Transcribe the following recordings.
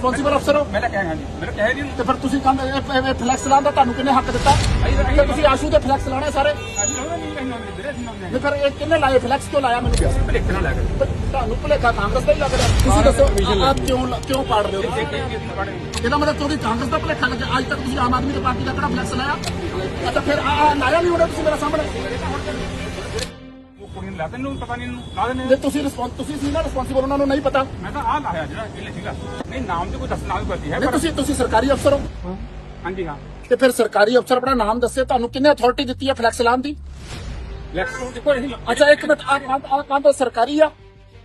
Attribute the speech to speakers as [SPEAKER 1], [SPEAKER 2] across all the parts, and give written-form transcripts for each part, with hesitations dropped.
[SPEAKER 1] Responsible ਅਫਸਰ ਹੋ?
[SPEAKER 2] ਮੈਂ ਤਾਂ ਕਹਿ ਹਾਂਜੀ ਮੈਂ ਕਹਿ ਨਹੀਂ
[SPEAKER 1] ਤੇ ਫਿਰ ਤੁਸੀਂ ਕਹਿੰਦੇ ਫਲੈਕਸ ਲਾਉਣ ਦਾ ਤੁਹਾਨੂੰ ਕਿੰਨੇ ਹੱਕ ਦਿੱਤਾ? ਤੇ ਤੁਸੀਂ ਆਸ਼ੂ ਦੇ ਫਲੈਕਸ ਲਾਉਣੇ ਸਾਰੇ?
[SPEAKER 2] ਅਸੀਂ ਲਾਉਂਦੇ ਨਹੀਂ ਵੀਰੇ ਅਸੀਂ ਲਾਉਂਦੇ
[SPEAKER 1] ਨਹੀਂ ਫਿਰ ਇਹ ਕਿੰਨੇ ਲਾਏ ਫਲੈਕਸ ਕਿਉਂ ਲਾਇਆ ਮੈਨੂੰ ਦੱਸੋ?
[SPEAKER 2] ਭਲੇਖੇ ਨਾਲ ਲੱਗ
[SPEAKER 1] ਤੇ ਤੁਹਾਨੂੰ ਭੁਲੇਖਾ ਕਾਂਗਰਸ ਦਾ ਹੀ ਲੱਗ ਰਿਹਾ। ਤੁਸੀਂ ਦੱਸੋ ਆਪ ਕਿਉਂ ਪਾੜ ਰਹੇ ਹੋ? ਇਹਦਾ ਮਤਲਬ ਤੁਹਾਡੀ ਕਾਂਗਰਸ ਦਾ ਭੁਲੇਖਾ ਲੱਗਿਆ। ਅੱਜ ਤੱਕ ਤੁਸੀਂ ਆਮ ਆਦਮੀ ਦੀ ਪਾਰਟੀ ਦਾ ਕਿਹੜਾ ਫਲੈਕਸ ਲਾਇਆ? ਅੱਛਾ ਫਿਰ ਲਾਇਆ ਨਹੀਂ ਹੋਣਾ ਤੁਸੀਂ ਮੇਰੇ ਸਾਹਮਣੇ।
[SPEAKER 2] ਕੁੜੀ ਨੂੰ ਲਾ ਦੇ ਨੂੰ ਪਤਾ ਨਹੀਂ ਇਹਨੂੰ ਲਾ ਦੇ
[SPEAKER 1] ਜੇ ਤੁਸੀਂ ਸੀ ਨਾ ਰਿਸਪੌਂਸਿਬਲ, ਉਹਨਾਂ ਨੂੰ ਨਹੀਂ ਪਤਾ।
[SPEAKER 2] ਮੈਂ ਤਾਂ ਆਹ ਲਾਇਆ ਜਿਹੜਾ ਇਹਨੇ ਸੀਗਾ ਨਹੀਂ ਨਾਮ ਤੇ ਕੋਈ ਦੱਸਣਾ ਵੀ ਕਰਦੀ ਹੈ
[SPEAKER 1] ਨਹੀਂ ਤੁਸੀਂ ਸਰਕਾਰੀ ਅਫਸਰ ਹੋ?
[SPEAKER 2] ਹਾਂਜੀ ਹਾਂ
[SPEAKER 1] ਤੇ ਫਿਰ ਸਰਕਾਰੀ ਅਫਸਰ ਆਪਣਾ ਨਾਮ ਦੱਸੇ, ਤੁਹਾਨੂੰ ਕਿੰਨੇ ਅਥਾਰਟੀ ਦਿੱਤੀ ਹੈ ਫਲੈਕਸ ਲਾਉਣ ਦੀ?
[SPEAKER 2] ਲੈਕਸ ਦੇਖੋ ਇਹ
[SPEAKER 1] ਅੱਛਾ ਇੱਕ ਮਿੰਟ, ਆਹ ਕੰਧ ਸਰਕਾਰੀ ਆ?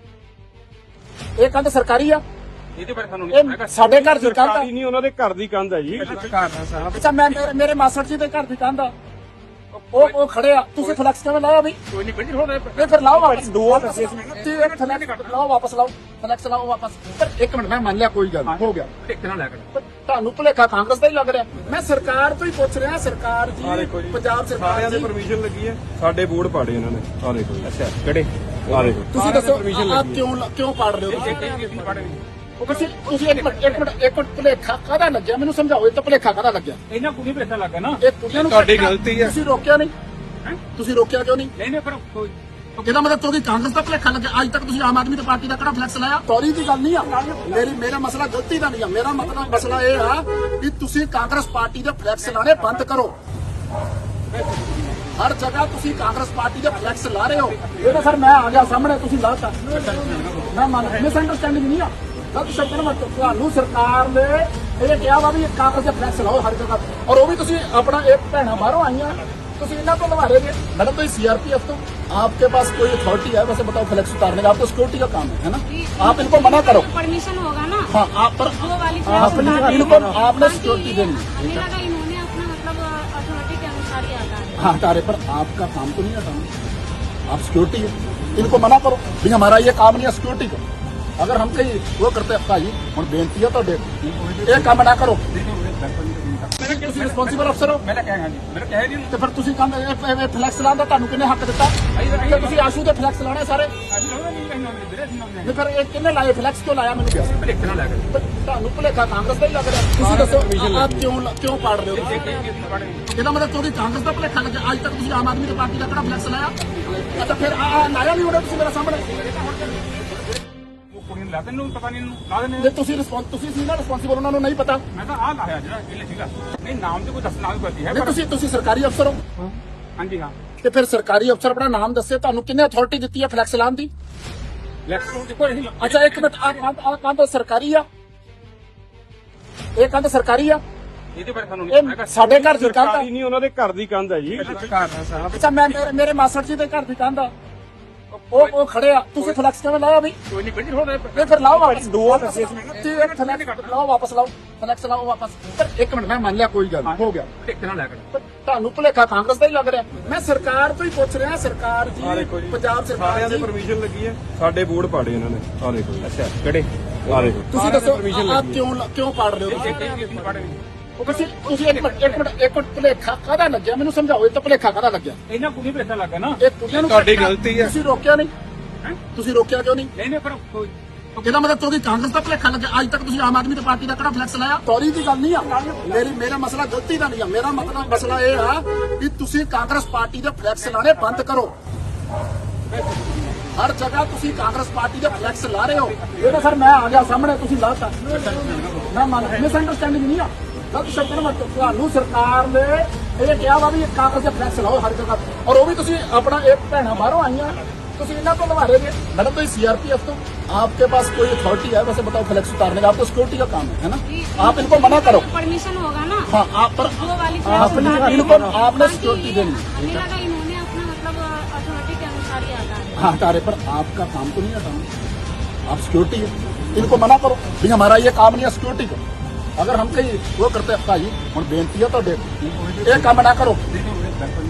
[SPEAKER 1] ਇਹ ਕੰਧ ਸਰਕਾਰੀ ਆ?
[SPEAKER 2] ਇਹਦੇ ਬਾਰੇ ਸਾਨੂੰ
[SPEAKER 1] ਇਹ ਸਾਡੇ ਘਰ ਦੀ ਕੰਧ ਆ?
[SPEAKER 3] ਨਹੀਂ, ਉਹਨਾਂ ਦੇ ਘਰ ਦੀ ਕੰਧ ਹੈ ਜੀ।
[SPEAKER 1] ਅੱਛਾ ਮੇਰੇ ਮਾਸਟਰ ਜੀ ਦੇ ਘਰ ਦੀ ਕੰਧ ਆ, ਉਹ ਖੜੇ ਆ, ਤੁਸੀਂ ਫਲੈਕਸ ਕਿਵੇਂ ਲਾਇਆ ਬਈ?
[SPEAKER 2] ਕੋਈ ਨਹੀਂ ਬੜੀ ਹੋਣਾ
[SPEAKER 1] ਇਹ ਫਿਰ ਲਾਓ ਵਾਪਸ।
[SPEAKER 3] ਦੋ
[SPEAKER 1] ਲਾਓ ਵਾਪਸ, ਲਾਓ ਫਲੈਕਸ ਲਾਓ ਵਾਪਸ। ਪਰ ਇੱਕ ਮਿੰਟ, ਮੈਂ ਮੰਨ ਲਿਆ ਕੋਈ ਗੱਲ ਹੋ ਗਿਆ।
[SPEAKER 2] ਭਲੇਖੇ ਨਾਲ ਲੱਗ
[SPEAKER 1] ਪਰ ਤੁਹਾਨੂੰ ਭੁਲੇਖਾ ਕਾਂਗਰਸ ਦਾ ਹੀ ਲੱਗ ਰਿਹਾ। ਮੈਂ ਸਰਕਾਰ ਤੋਂ ਹੀ ਪੁੱਛ ਰਿਹਾ, ਸਰਕਾਰ ਜੀ ਪੰਜਾਬ ਸਰਕਾਰ
[SPEAKER 3] ਸਾਰਿਆਂ ਦੀ
[SPEAKER 1] ਜੀ
[SPEAKER 3] ਪਰਮਿਸ਼ਨ ਲੱਗੀ ਹੈ, ਸਾਡੇ ਬੋਰਡ ਪਾੜੇ ਇਹਨਾਂ ਨੇ। ਆ ਦੇਖੋ
[SPEAKER 2] ਅੱਛਾ ਕਿਹੜੇ
[SPEAKER 3] ਆ ਦੇਖੋ
[SPEAKER 1] ਤੁਸੀਂ ਦੱਸੋ ਆਪ ਕਿਉਂ ਪਾੜ ਰਹੇ ਹੋ? ਤੁਸੀਂ ਇੱਕ ਮਿੰਟ ਭੁਲੇਖਾ ਕਾਹਦਾ ਲੱਗਿਆ ਮੈਨੂੰ ਸਮਝਾਓ। ਇਹ ਤਾਂ ਭੁਲੇਖਾ ਕਾਹਦਾ ਲੱਗਿਆ?
[SPEAKER 2] ਇਹਨਾਂ ਕੁੜੀ ਭਲੇਖਾ ਲੱਗਾ ਨਾ
[SPEAKER 1] ਇਹ ਕੁੜੀਆਂ ਨੂੰ
[SPEAKER 3] ਤੁਹਾਡੀ ਗਲਤੀ ਹੈ।
[SPEAKER 1] ਤੁਸੀਂ ਰੋਕਿਆ ਨਹੀਂ? ਤੁਸੀਂ ਰੋਕਿਆ ਕਿਉਂ ਨਹੀਂ?
[SPEAKER 2] ਨਹੀਂ ਪਰ ਕੋਈ
[SPEAKER 1] ਇਹਦਾ ਮਤਲਬ ਤੁਹਾਡੀ ਕਾਂਗਰਸ ਦਾ ਭੁਲੇਖਾ ਲੱਗਿਆ। ਅੱਜ ਤੱਕ ਤੁਸੀਂ ਆਮ ਆਦਮੀ ਦੀ ਪਾਰਟੀ ਦਾ ਕਿਹੜਾ ਫਲੈਕਸ ਲਾਇਆ? ਸੌਰੀ ਦੀ ਗੱਲ ਨਹੀਂ ਆ ਮੇਰਾ ਮਸਲਾ ਗਲਤੀ ਦਾ ਨਹੀਂ ਆ। ਮੇਰਾ ਮਤਲਬ ਮਸਲਾ ਇਹ ਆ ਕਿ ਤੁਸੀਂ ਕਾਂਗਰਸ ਪਾਰਟੀ ਦੇ ਫਲੈਕਸ ਲਾਣੇ ਬੰਦ ਕਰੋ। ਹਰ ਜਗ੍ਹਾ ਤੁਸੀਂ ਕਾਂਗਰਸ ਪਾਰਟੀ ਦੇ ਫਲੈਕਸ ਲਾ ਰਹੇ ਹੋ। ਇਹ ਤਾਂ ਸਰ ਮੈਂ ਆ ਗਿਆ ਸਾਹਮਣੇ, ਤੁਸੀਂ ਲਾਤਾ। ਮੈਂ ਮੰਨ ਮਿਸ ਅੰਡਰਸਟੈਂਡਿੰਗ ਨਹੀਂ ਆ, ਗਲਤ ਸ਼ਬਦ ਨਾ ਤੁਹਾਨੂੰ ਸਰਕਾਰ ਨੇ ਇਹ ਕਿਹਾ ਵਾ ਵੀ ਕਾਂਗਰਸ ਦੇ ਫਲੈਕਸ ਲਾਓ ਹਰ ਜਗ੍ਹਾ, ਔਰ ਉਹ ਵੀ ਤੁਸੀਂ ਆਪਣਾ ਇੱਕ ਭੈਣਾ ਬਾਹਰੋਂ आईਆਂ ਤੁਸੀਂ ਇਹਨਾਂ ਤੋਂ लगा रहे हैं। मैडम तो सीआरपीएफ तो आपके पास कोई अथॉरिटी है वैसे बताओ फ्लैक्स उतारने का? आपको सिक्योरिटी का काम है ना? आप इनको मना करो।
[SPEAKER 4] परमिशन होगा ना?
[SPEAKER 1] हाँ आप पर
[SPEAKER 4] वो वाली
[SPEAKER 1] इनको आपने सिक्योरिटी देनी
[SPEAKER 4] हमें लगा इन्होंने अपना मतलब अथॉरिटी के अनुसार ही आता है।
[SPEAKER 1] हाँ तारे पर आपका काम तो नहीं हटाना, आप सिक्योरिटी है। इनको मना करो भाई हमारा ये काम नहीं है सिक्योरिटी का। अगर हम कहीं वो करते भाई हम बेनती है तो एक काम ना करो। ਤੁਸੀਂ ਰਿਸਪੌਂਸਿਬਲ ਅਫਸਰ ਹੋ?
[SPEAKER 2] ਮੈਂ ਤਾਂ ਕਹਿ ਹਾਂਜੀ ਮੈਂ ਕਹਿ ਨਹੀਂ
[SPEAKER 1] ਤੇ ਫਿਰ ਤੁਸੀਂ ਕਹਿੰਦੇ ਫਲੈਕਸ ਲਾਉਣ ਦਾ ਤੁਹਾਨੂੰ ਕਿੰਨੇ ਹੱਕ ਦਿੱਤਾ? ਤੇ ਤੁਸੀਂ ਆਸ਼ੂ ਦੇ ਫਲੈਕਸ ਲਾਉਣੇ ਸਾਰੇ?
[SPEAKER 2] ਅਸੀਂ ਲਾਉਂਦੇ ਨਹੀਂ ਵੀਰੇ ਅਸੀਂ ਲਾਉਂਦੇ
[SPEAKER 1] ਨਹੀਂ ਫਿਰ ਇਹ ਕਿੰਨੇ ਲਾਏ ਫਲੈਕਸ ਕਿਉਂ ਲਾਇਆ ਮੈਨੂੰ ਦੱਸੋ?
[SPEAKER 2] ਭਲੇਖੇ ਨਾਲ ਲੱਗ
[SPEAKER 1] ਪਰ ਤੁਹਾਨੂੰ ਭੁਲੇਖਾ ਕਾਂਗਰਸ ਦਾ ਹੀ ਲੱਗ ਰਿਹਾ। ਤੁਸੀਂ ਦੱਸੋ ਆਪ ਕਿਉਂ ਪਾੜ ਰਹੇ ਹੋ? ਇਹਦਾ ਮਤਲਬ ਤੁਹਾਡੀ ਕਾਂਗਰਸ ਦਾ ਭੁਲੇਖਾ ਲੱਗਿਆ। ਅੱਜ ਤੱਕ ਤੁਸੀਂ ਆਮ ਆਦਮੀ ਦੀ ਪਾਰਟੀ ਦਾ ਕਿਹੜਾ ਫਲੈਕਸ ਲਾਇਆ? ਅੱਛਾ ਫਿਰ ਲਾਇਆ ਨਹੀਂ ਹੋਣਾ ਤੁਸੀਂ ਮੇਰੇ ਸਾਹਮਣੇ।
[SPEAKER 2] ਕੁੜੀ ਨੂੰ ਲਾ ਦੇ ਨੂੰ ਪਤਾ ਨਹੀਂ ਇਹਨੂੰ ਲਾ ਦੇ
[SPEAKER 1] ਜੇ ਤੁਸੀਂ ਸੀ ਨਾ ਰਿਸਪੌਂਸਿਬਲ, ਉਹਨਾਂ ਨੂੰ ਨਹੀਂ ਪਤਾ।
[SPEAKER 2] ਮੈਂ ਤਾਂ ਆਹ ਲਾਇਆ ਜਿਹੜਾ ਇਹਨੇ ਸੀਗਾ ਨਹੀਂ ਨਾਮ ਤੇ ਕੋਈ ਦੱਸਣਾ ਵੀ ਕਰਦੀ ਹੈ
[SPEAKER 1] ਨਹੀਂ ਤੁਸੀਂ ਸਰਕਾਰੀ ਅਫਸਰ ਹੋ?
[SPEAKER 2] ਹਾਂਜੀ ਹਾਂ
[SPEAKER 1] ਤੇ ਫਿਰ ਸਰਕਾਰੀ ਅਫਸਰ ਆਪਣਾ ਨਾਮ ਦੱਸੇ, ਤੁਹਾਨੂੰ ਕਿੰਨੇ ਅਥਾਰਟੀ ਦਿੱਤੀ ਹੈ ਫਲੈਕਸ ਲਾਉਣ ਦੀ?
[SPEAKER 2] ਲੈਕਸ ਦੇਖੋ ਇਹ
[SPEAKER 1] ਅੱਛਾ ਇੱਕ ਮਿੰਟ, ਆਹ ਕੰਧ ਸਰਕਾਰੀ ਆ? ਇਹ ਕੰਧ ਸਰਕਾਰੀ ਆ?
[SPEAKER 2] ਇਹਦੇ ਬਾਰੇ ਸਾਨੂੰ
[SPEAKER 1] ਇਹ ਸਾਡੇ ਘਰ ਦੀ ਕੰਧ ਆ?
[SPEAKER 3] ਨਹੀਂ, ਉਹਨਾਂ ਦੇ ਘਰ ਦੀ ਕੰਧ ਹੈ ਜੀ।
[SPEAKER 1] ਅੱਛਾ ਮੇਰੇ ਮਾਸਟਰ ਜੀ ਦੇ ਘਰ ਦੀ ਕੰਧ ਆ, ਉਹ ਖੜੇ ਆ, ਤੁਸੀਂ ਫਲੈਕਸ ਕਿਵੇਂ ਲਾਇਆ ਬਈ?
[SPEAKER 2] ਕੋਈ ਨਹੀਂ ਬੜੀ ਹੋਣਾ
[SPEAKER 1] ਇਹ ਫਿਰ ਲਾਓ ਵਾਪਸ। ਲਾਓ ਵਾਪਸ, ਲਾਓ ਫਲੈਕਸ ਲਾਓ ਵਾਪਸ। ਪਰ ਇੱਕ ਮਿੰਟ, ਮੈਂ ਮੰਨ ਲਿਆ ਕੋਈ ਗੱਲ ਹੋ ਗਿਆ।
[SPEAKER 2] ਭਲੇਖੇ ਨਾਲ ਲੱਗ
[SPEAKER 1] ਪਰ ਤੁਹਾਨੂੰ ਭੁਲੇਖਾ ਕਾਂਗਰਸ ਦਾ ਹੀ ਲੱਗ ਰਿਹਾ। ਮੈਂ ਸਰਕਾਰ ਤੋਂ ਹੀ ਪੁੱਛ ਰਿਹਾ, ਸਰਕਾਰ ਜੀ ਪੰਜਾਬ ਸਰਕਾਰ
[SPEAKER 3] ਸਾਰਿਆਂ ਦੀ
[SPEAKER 1] ਜੀ
[SPEAKER 3] ਪਰਮਿਸ਼ਨ ਲੱਗੀ ਹੈ, ਸਾਡੇ ਬੋਰਡ ਪਾੜੇ ਇਹਨਾਂ ਨੇ। ਆ ਦੇਖੋ
[SPEAKER 2] ਅੱਛਾ ਕਿਹੜੇ
[SPEAKER 3] ਆ ਦੇਖੋ
[SPEAKER 1] ਤੁਸੀਂ ਦੱਸੋ ਆਪ ਕਿਉਂ ਪਾੜ ਰਹੇ ਹੋ? ਤੁਸੀਂ ਇੱਕ ਮਿੰਟ ਭੁਲੇਖਾ ਕਾਹਦਾ ਲੱਗਿਆ ਮੈਨੂੰ ਸਮਝਾਓ। ਇਹ ਤਾਂ ਭੁਲੇਖਾ ਕਾਹਦਾ ਲੱਗਿਆ?
[SPEAKER 2] ਇਹਨਾਂ ਕੁੜੀ ਭਲੇਖਾ ਲੱਗਾ ਨਾ
[SPEAKER 1] ਇਹ ਕੁੜੀਆਂ ਨੂੰ
[SPEAKER 3] ਤੁਹਾਡੀ ਗਲਤੀ ਹੈ।
[SPEAKER 1] ਤੁਸੀਂ ਰੋਕਿਆ ਨਹੀਂ? ਤੁਸੀਂ ਰੋਕਿਆ ਕਿਉਂ ਨਹੀਂ?
[SPEAKER 2] ਨਹੀਂ ਪਰ ਕੋਈ
[SPEAKER 1] ਇਹਦਾ ਮਤਲਬ ਤੁਹਾਡੀ ਕਾਂਗਰਸ ਦਾ ਭੁਲੇਖਾ ਲੱਗਿਆ। ਅੱਜ ਤੱਕ ਤੁਸੀਂ ਆਮ ਆਦਮੀ ਦੀ ਪਾਰਟੀ ਦਾ ਕਿਹੜਾ ਫਲੈਕਸ ਲਾਇਆ? ਸੌਰੀ ਦੀ ਗੱਲ ਨਹੀਂ ਆ ਮੇਰਾ ਮਸਲਾ ਗਲਤੀ ਦਾ ਨਹੀਂ ਆ। ਮੇਰਾ ਮਤਲਬ ਮਸਲਾ ਇਹ ਆ ਕਿ ਤੁਸੀਂ ਕਾਂਗਰਸ ਪਾਰਟੀ ਦੇ ਫਲੈਕਸ ਲਾਣੇ ਬੰਦ ਕਰੋ। ਹਰ ਜਗ੍ਹਾ ਤੁਸੀਂ ਕਾਂਗਰਸ ਪਾਰਟੀ ਦੇ ਫਲੈਕਸ ਲਾ ਰਹੇ ਹੋ। ਇਹ ਤਾਂ ਸਰ ਮੈਂ ਆ ਗਿਆ ਸਾਹਮਣੇ, ਤੁਸੀਂ ਲਾਤਾ। ਮੈਂ ਮੰਨ ਮਿਸ ਅੰਡਰਸਟੈਂਡਿੰਗ ਨਹੀਂ ਆ, ਗਲਤ ਸ਼ਬਦ ਨਾ ਤੁਹਾਨੂੰ ਸਰਕਾਰ ਨੇ ਇਹ ਕਿਹਾ ਵਾ ਵੀ ਕਾਂਗਰਸ ਦੇ ਫਲੈਕਸ ਲਾਓ ਹਰ ਜਗ੍ਹਾ, ਔਰ ਉਹ ਵੀ ਤੁਸੀਂ ਆਪਣਾ ਇੱਕ ਭੈਣਾ बाहरों आईਆਂ ਤੁਸੀਂ ਇਹਨਾਂ ਤੋਂ लगा रहे हैं। मैडम तो सीआरपीएफ तो आपके पास कोई अथॉरिटी है वैसे बताओ फ्लैक्स उतारने का? आपको सिक्योरिटी का काम है ना? आप इनको मना करो।
[SPEAKER 4] परमिशन होगा ना?
[SPEAKER 1] हाँ आप पर
[SPEAKER 4] वो वाली
[SPEAKER 1] इनको आपने सिक्योरिटी देनी।
[SPEAKER 4] हमें लगा इन्होंने अपना मतलब अथॉरिटी के अनुसार ही आता है।
[SPEAKER 1] हाँ तारे पर आपका काम तो नहीं हटाना, आप सिक्योरिटी है। इनको मना करो भाई हमारा ये काम नहीं है सिक्योरिटी का। अगर हम कहीं वो करते भाई हम बेनती है तो एक काम ना करो।